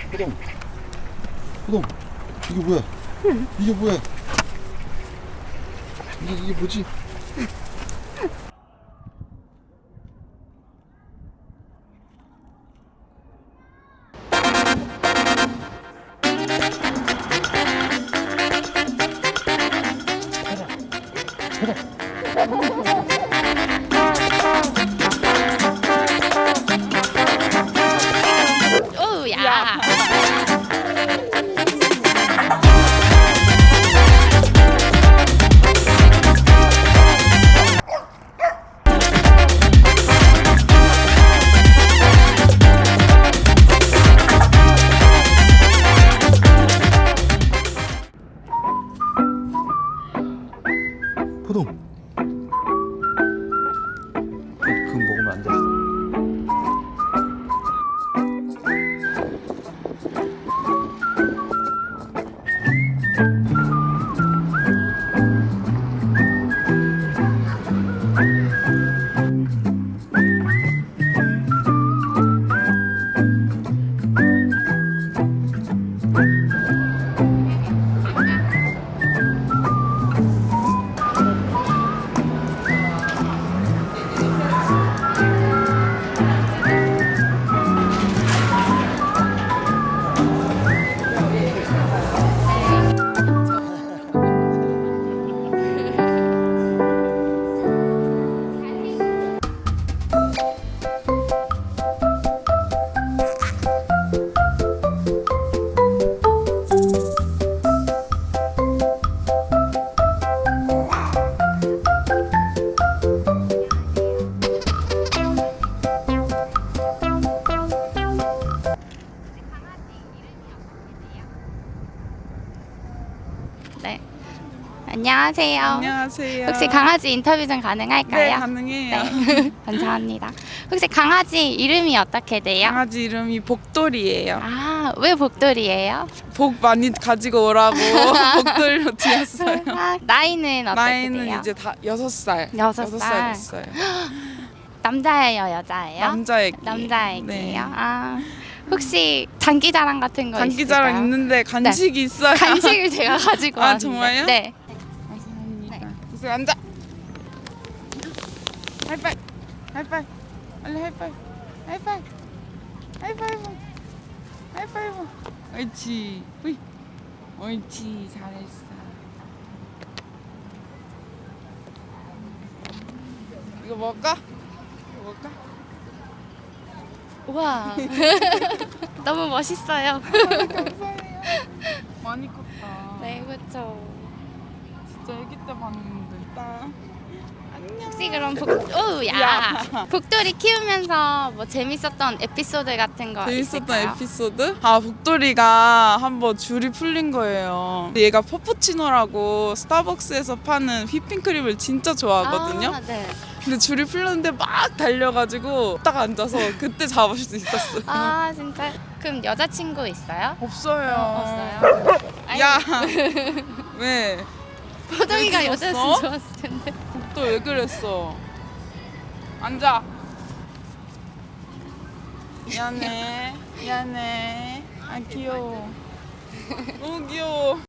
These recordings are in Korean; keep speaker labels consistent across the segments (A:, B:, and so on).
A: 호동, 호동, 이게 뭐야? 이게 뭐야? 이게 뭐지?
B: 오, 야.
A: 호동. 그거 먹으면 안 돼.
B: 네. 안녕하세요.
C: 안녕하세요.
B: 혹시 강아지 인터뷰 좀 가능할까요?
C: 네, 가능해요.
B: 네. 감사합니다. 혹시 강아지 이름이 어떻게 돼요?
C: 강아지 이름이 복돌이에요.
B: 아, 왜 복돌이에요?
C: 복 많이 가지고 오라고 복돌로 지었어요.
B: 아, 나이는 어떻게
C: 나이는
B: 돼요?
C: 이제 다 6살.
B: 6살.
C: 됐어요.
B: 남자예요, 여자예요?
C: 남자애기.
B: 남자애기예요.
C: 네.
B: 아, 혹시 장기자랑 같은 거
C: 장기자랑
B: 있을까요?
C: 있는데 간식이 있어요.
B: 간식을 제가 가지고
C: 아,
B: 왔는데.
C: 정말요?
B: 네.
C: 감사합니다. 그래서 앉아. 하이파이. 하이파이. 빨리 하이파이. 하이파이. 하이파이브. 하이파이브. 옳지. 으이. 옳지. 잘했어. 이거 먹을까? 이거 먹을까?
B: 우와. 너무 멋있어요.
C: 감사해요. 많이 컸다.
B: 네, 그렇죠.
C: 진짜 아기 때 봤는데. 딱. 안녕.
B: 혹시 그럼 오, 야. 복돌이 키우면서 뭐 재밌었던 에피소드 같은 거
C: 재밌었던
B: 있을까요?
C: 에피소드? 아, 복돌이가 한번 줄이 풀린 거예요. 얘가 퍼푸치노라고 스타벅스에서 파는 휘핑크림을 진짜 좋아하거든요.
B: 아, 네.
C: 근데 줄이 풀렸는데 막 달려가지고 딱 앉아서 그때 잡을 수 있었어요.
B: 아, 진짜. 그럼 여자친구 있어요?
C: 없어요.
B: 없어요.
C: 야, 왜?
B: 포동이가
C: 왜
B: 여자였으면
C: 그랬어?
B: 좋았을 텐데.
C: 복돌 왜 그랬어? 앉아. 미안해. 미안해. 아, 귀여워. 너무 귀여워.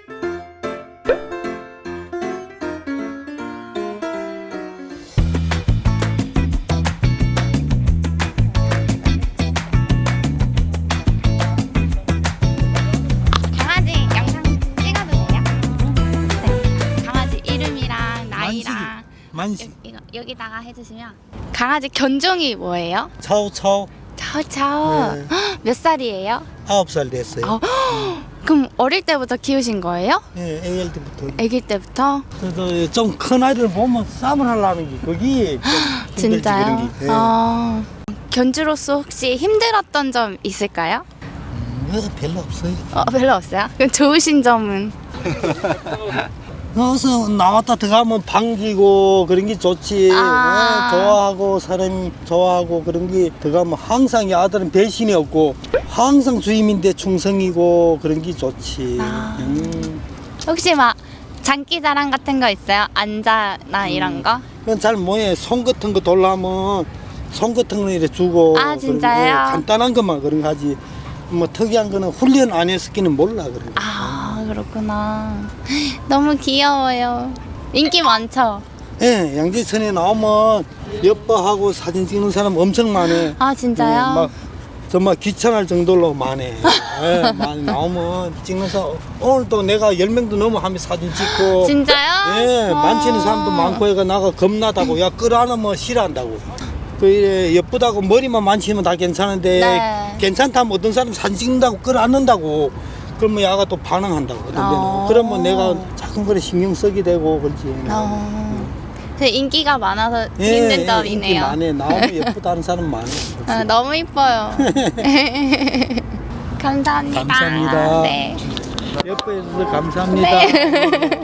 B: 강아지 영상 찍어도 돼요? 네. 강아지 이름이랑 나이랑
D: 만식
B: 여기다가 해주시면. 강아지 견종이 뭐예요?
D: 차오차오
B: 차오차오.
D: 네.
B: 몇 살이에요?
D: 9살 됐어요.
B: 아, 그럼 어릴 때부터 키우신 거예요?
D: 예, AL 때부터.
B: 아기 때부터?
D: 그래도 좀 큰 아이들 보면 싸움을 하려는 게 그게 좀 힘들지
B: 진짜요?
D: 그런 게. 예.
B: 견주로서 혹시 힘들었던 점 있을까요?
D: 별로 없어요.
B: 별로 없어요? 그럼 좋으신 점은?
D: 여기서 나왔다 들어가면 반기고 그런 게 좋지.
B: 아.
D: 좋아하고 사람이 좋아하고 그런 게 들어가면 항상 이 아들은 배신이 없고 항상 주임인데 충성이고 그런 게 좋지.
B: 아. 혹시 막 장기자랑 같은 거 있어요? 안자나 이런 거?
D: 그건 잘 뭐해. 손 같은 거 돌라면 손 같은 거 이렇게 주고.
B: 아,
D: 그런 거,
B: 진짜요?
D: 간단한 것만 그런 거 하지. 뭐 특이한 거는 훈련 안 했었기는 몰라 그래.
B: 아, 그렇구나. 너무 귀여워요. 인기 많죠?
D: 예, 양재천에 나오면 예뻐하고 사진 찍는 사람 엄청 많아.
B: 아, 진짜요?
D: 막 정말 귀찮을 정도로 많아. 예, 많이 나오면 찍는 사람 오늘도 내가 10명도 넘어 하면 사진 찍고.
B: 진짜요?
D: 예,
B: 어.
D: 만지는 사람도 많고 해가 나가 겁나다고. 야, 끌어안으면 싫어한다고. 그 이래 예쁘다고 머리만 만지면 다 괜찮은데
B: 네.
D: 괜찮다면 어떤 사람 사진 찍는다고 끌어안는다고. 그러면 야가 또 반응한다고. 어떤 데는.
B: 어.
D: 그러면 내가 작은 거에 신경 쓰게 되고 그렇지.
B: 그 인기가 많아서
D: 예,
B: 힘든
D: 인기
B: 점이네요.
D: 많네. 나오면 예쁘다는 사람 많아.
B: 아, 너무 이뻐요. 감사합니다.
D: 감사합니다.
B: 네.
D: 예뻐해 주셔서 감사합니다.
B: 네.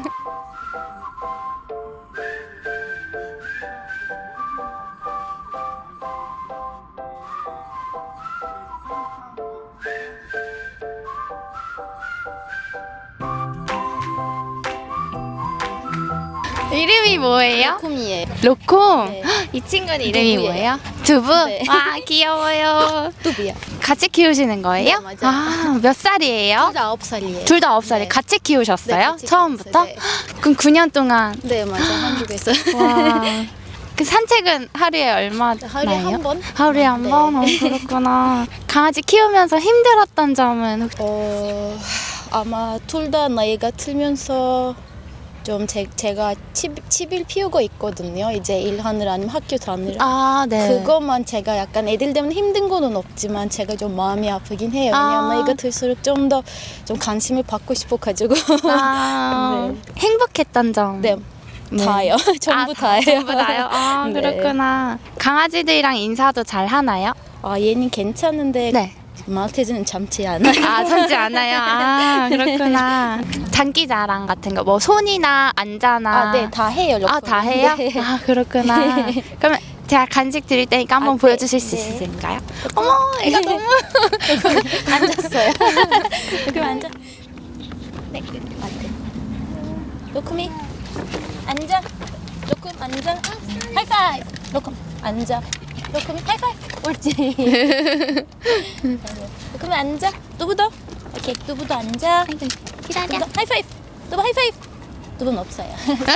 B: 이름이 뭐예요?
E: 로콤이에요.
B: 로콤.
E: 네.
B: 이 친구는 이름이
E: 두부예요.
B: 뭐예요? 두부.
E: 네.
B: 와, 귀여워요.
E: 뚜비야.
B: 같이 키우시는 거예요?
E: 네, 맞아요.
B: 아, 몇 살이에요?
E: 둘다 9살이에요.
B: 둘 다 9살이
E: 네.
B: 같이 키우셨어요?
E: 네, 같이
B: 처음부터?
E: 키웠어요.
B: 그럼 9년 동안.
E: 네, 맞아. 한국에서.
B: 와. 그 산책은 하루에 얼마나요?
E: 하루에 한 번?
B: 하루에 한
E: 네.
B: 번? 그렇구나. 강아지 키우면서 힘들었던 점은 혹시?
E: 아마 둘 다 나이가 들면서 좀 제가 집을 피우고 있거든요. 이제 일하느라 아니면 학교 다니느라.
B: 아, 네.
E: 그것만 제가 약간 애들 때문에 힘든 거는 없지만 제가 좀 마음이 아프긴 해요. 왜냐면
B: 아.
E: 나이가 들수록 좀 더 좀 관심을 받고 싶어가지고.
B: 아,
E: 네.
B: 행복했던 점.
E: 네, 다요. 전부 다예요.
B: 전부 다요? 아,
E: 네.
B: 그렇구나. 강아지들이랑 인사도 잘 하나요?
E: 얘는 괜찮은데
B: 네.
E: 말테즈는 참지 않아요.
B: 아, 참지 않아요? 아, 그렇구나. 장기자랑 같은 거, 뭐 손이나 안자나.
E: 네, 다 해요.
B: 아, 다 해요?
E: 네.
B: 아, 그렇구나. 그러면 제가 간식 드릴 테니까 한번
E: 네.
B: 보여주실 수
E: 네.
B: 있을까요? 어머, 애가 너무.
E: 앉았어요. 여기 앉아. 네, 맞대. 로콤이 앉아. 로콤 앉아. 하이파이브. 로콤 앉아. 로콤이 하이파이브. 옳지. 로콤이 앉아. 뚜부도. 오케이, 뚜부도 앉아.
B: 기다려.
E: 뚜부도 하이파이브. 뚜부 하이파이브. 뚜부는 없어요.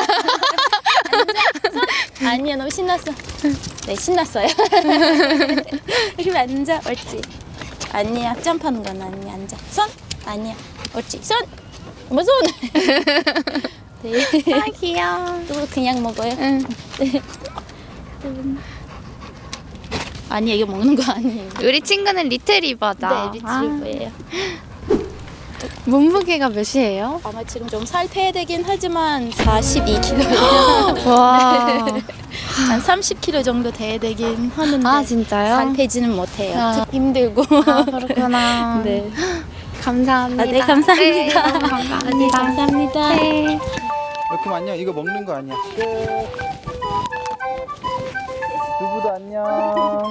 E: 앉아. 손. 아니야, 너무 신났어. 네, 신났어요. 이렇게 앉아. 옳지. 아니야, 점프하는 건 아니야. 앉아. 손. 아니야. 옳지. 손. 뭐 손. 네.
B: 아, 귀여워.
E: 또 그냥 먹어요.
B: 응.
E: 아니, 이거 먹는 거 아니에요.
B: 우리 친구는 리트리버다.
E: 네, 리트리버예요.
B: 몸무게가 몇이에요?
E: 아마 지금 좀 살 빼야 되긴 하지만 42kg예요.
B: 와.
E: 한 30kg 정도 돼야 되긴 하는데
B: 아, 진짜요?
E: 살 빼지는 못해요.
B: 아.
E: 힘들고.
B: 아, 그렇구나.
E: 네.
B: 감사합니다.
E: 네, 감사합니다.
B: 네, 너무 감사합니다.
E: 네, 감사합니다.
B: 네.
A: 로콤 안녕. 이거 먹는 거 아니야. 두부도 안녕.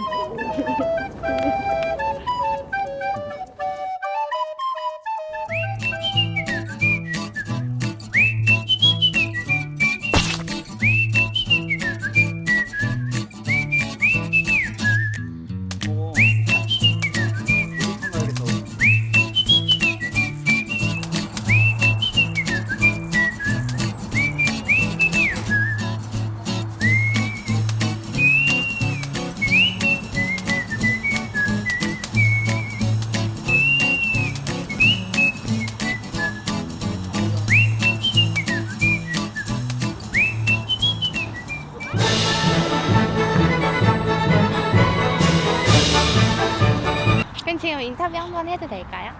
B: 그럼 지금 인터뷰 한번 해도 될까요?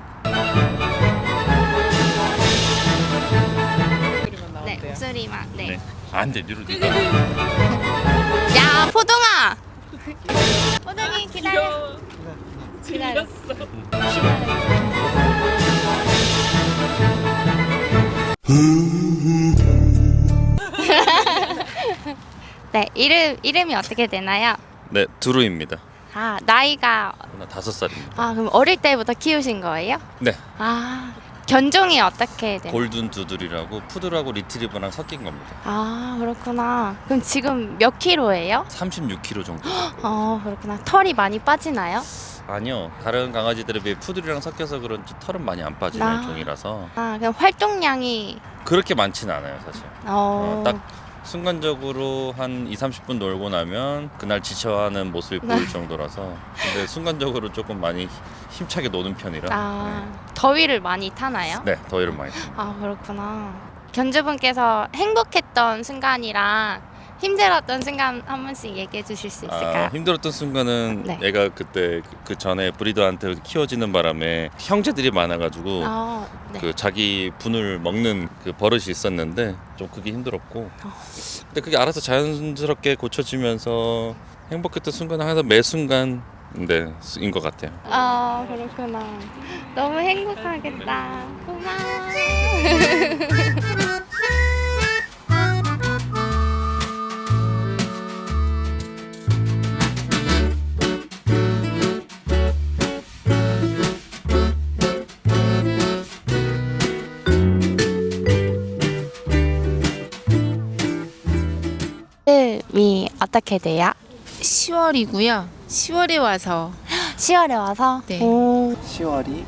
B: 네, 목소리만. 네.
F: 네. 안 돼, 뒤로 뒤로.
B: 야, 포동아. 포동이 기다려. 기다려. 네, 이름이 어떻게 되나요?
F: 네, 두루입니다.
B: 아, 나이가.
F: 나 5살입니다.
B: 아, 그럼 어릴 때부터 키우신 거예요?
F: 네,
B: 아, 견종이 어떻게 되나요?
F: 골든 두들이라고 푸들하고 리트리버랑 섞인 겁니다.
B: 아, 그렇구나. 그럼 지금 몇 킬로예요?
F: 36kg 정도.
B: 그렇구나. 털이 많이 빠지나요?
F: 아니요. 다른 강아지들에 비해 푸들이랑 섞여서 그런지 털은 많이 안 빠지는
B: 아.
F: 종이라서
B: 그냥 활동량이
F: 그렇게 많지는 않아요, 사실.
B: 어,
F: 딱 순간적으로 한 2-30분 놀고 나면 그날 지쳐하는 모습이 보일 정도라서. 근데 순간적으로 조금 많이 힘차게 노는 편이라.
B: 더위를 많이 타나요?
F: 네, 더위를 많이 탑니다.
B: 아, 그렇구나. 견주분께서 행복했던 순간이랑 힘들었던 순간 한 번씩 얘기해 주실 수 있을까요?
F: 힘들었던 순간은
B: 네.
F: 얘가 그때 그 전에 브리더한테 키워지는 바람에 형제들이 많아가지고
B: 네.
F: 그 자기 분을 먹는 그 버릇이 있었는데 좀 그게 힘들었고 근데 그게 알아서 자연스럽게 고쳐지면서 행복했던 순간은 항상 매 순간 인 것 같아요.
B: 아, 그렇구나. 너무 행복하겠다. 고마워. 이름이 어떻게 돼요?
G: 10월이고요. 10월에 와서
B: 10월에 와서?
G: 네.
B: 오,
D: 10월이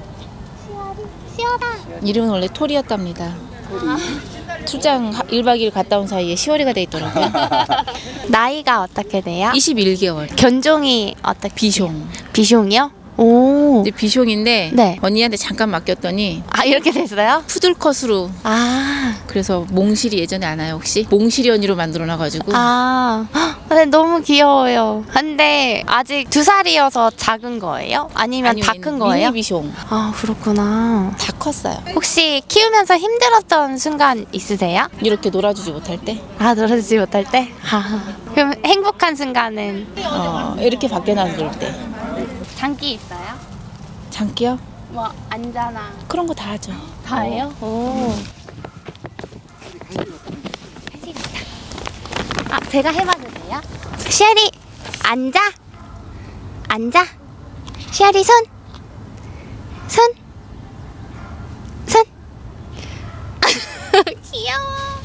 G: 이름은 원래 토리였답니다. 출장 1박 2일 갔다 온 사이에 10월이가 돼 있더라고요.
B: 나이가 어떻게 돼요?
G: 21개월.
B: 견종이 어떻게?
G: 비숑.
B: 비숑이요? 오.
G: 근데 비숑인데
B: 네.
G: 언니한테 잠깐 맡겼더니
B: 아, 이렇게 됐어요?
G: 푸들컷으로 그래서 몽실이 예전에 아나요 혹시? 몽실이 언니로 만들어놔가지고
B: 근데 너무 귀여워요. 근데 아직 2살이어서 작은 거예요? 아니면 다 큰 거예요?
G: 미니 비숑.
B: 아, 그렇구나.
G: 다 컸어요.
B: 혹시 키우면서 힘들었던 순간 있으세요?
G: 이렇게 놀아주지 못할 때
B: 아, 놀아주지 못할 때? 그럼 행복한 순간은?
G: 이렇게 밖에 나놀 때.
B: 장기 있어요?
G: 장기요?
B: 뭐 앉아나
G: 그런 거 다 하죠.
B: 다 해요? 오. 아, 제가 해봐도 돼요? 시아리 앉아. 앉아. 시아리 손. 손. 손. 귀여워.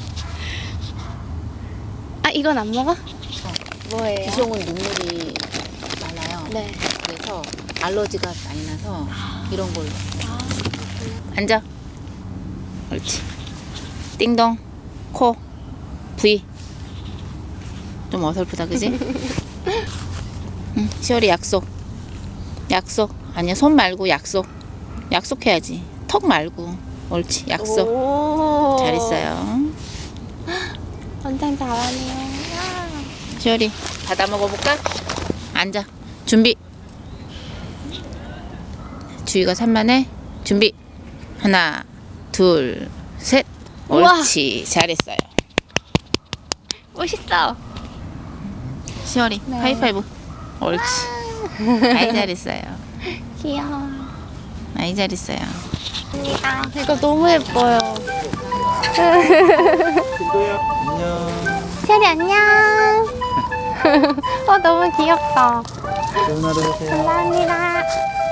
B: 아, 이건 안 먹어? 뭐예요?
G: 비숑은 눈물이 많아요.
B: 네.
G: 그래서 알러지가 많이 나서 이런 걸로. 앉아. 옳지. 띵동. 코. V. 좀 어설프다, 그지? 응, 시월이 약속. 약속. 아니야, 손 말고 약속. 약속해야지. 턱 말고. 옳지, 약속.
B: 오.
G: 잘했어요.
B: 완전 잘하네요.
G: 시월이, 받아 먹어볼까? 앉아. 준비. 주희가 산만해. 준비. 하나, 둘, 셋.
B: 우와.
G: 옳지. 잘했어요.
B: 멋있어.
G: 시월이,
B: 네.
G: 하이파이브. 옳지. 아이 잘했어요.
B: 귀여워.
G: 아이 잘했어요.
B: 이거 너무 예뻐요.
D: 안녕.
B: 시아리 안녕. 너무 귀엽다.
D: 좋은 하루 되세요.
B: 감사합니다.